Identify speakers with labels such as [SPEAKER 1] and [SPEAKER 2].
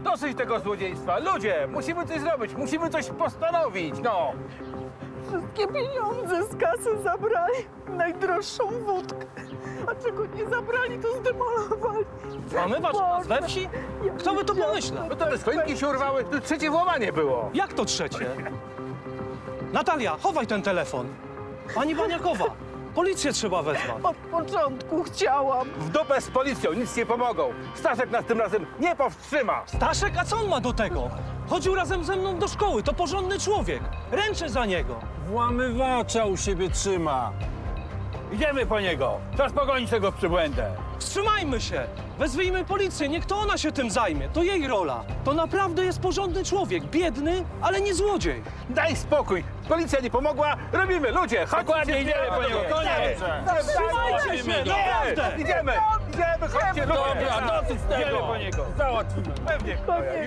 [SPEAKER 1] Dosyć tego złodziejstwa. Ludzie, musimy coś zrobić, musimy coś postanowić, no.
[SPEAKER 2] Wszystkie pieniądze z kasy zabrali. Najdroższą wódkę. A czego nie zabrali, to zdemolowali.
[SPEAKER 3] Włamywacz nas we wsi? Kto by to pomyślał?
[SPEAKER 1] No to te choinki się urwały, to trzecie włamanie było.
[SPEAKER 3] Jak to trzecie? Natalia, chowaj ten telefon. Pani Baniakowa, policję trzeba wezwać.
[SPEAKER 2] Od początku chciałam.
[SPEAKER 1] W dupę z policją, nic nie pomogą. Staszek nas tym razem nie powstrzyma.
[SPEAKER 3] Staszek, a co on ma do tego? Chodził razem ze mną do szkoły, to porządny człowiek. Ręczę za niego.
[SPEAKER 4] Włamywacza u siebie trzyma.
[SPEAKER 1] Idziemy po niego. Czas pogonić tego przybłędę.
[SPEAKER 3] Wstrzymajmy się! Wezwijmy policję, niech to ona się tym zajmie. To jej rola. To naprawdę jest porządny człowiek. Biedny, ale nie złodziej.
[SPEAKER 1] Daj spokój. Policja nie pomogła. Robimy, ludzie. Chodźcie. Dokładnie, idziemy po niego. Koniec.
[SPEAKER 3] Wstrzymajcie się, naprawdę!
[SPEAKER 1] Idziemy. Idziemy, chodźcie, ludzie.
[SPEAKER 4] Dobra, dosyć tego.
[SPEAKER 1] Idziemy po niego. Załatwimy. Pewnie.